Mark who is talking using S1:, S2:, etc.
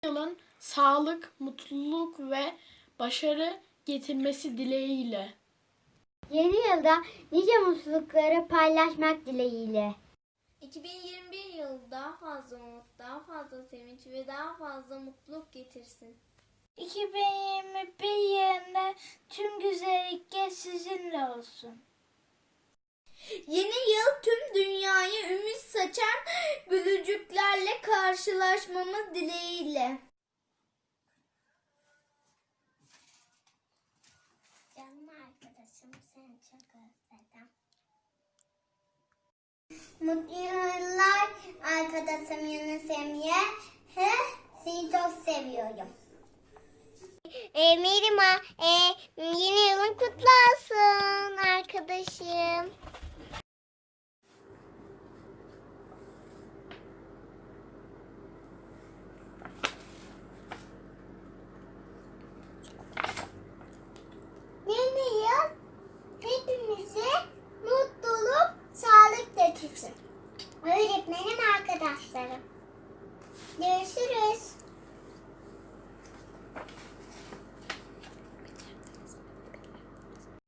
S1: Yılın sağlık, mutluluk ve başarı getirmesi dileğiyle.
S2: Yeni yılda nice mutlulukları paylaşmak dileğiyle.
S3: 2021 yılı daha fazla umut, daha fazla sevinç ve daha fazla mutluluk getirsin.
S2: 2021 yılında tüm güzellikler sizinle olsun.
S3: Yeni yıl tüm dünyaya ümit saçan gülücüklerle karşılaşmamız dileğiyle.
S2: Canım arkadaşım, seni çok özledim.
S3: Mutlu yıllar arkadaşım Yunus Emre. Seni çok seviyorum.
S2: Mirima, yeni yılın kutlu olsun arkadaşım.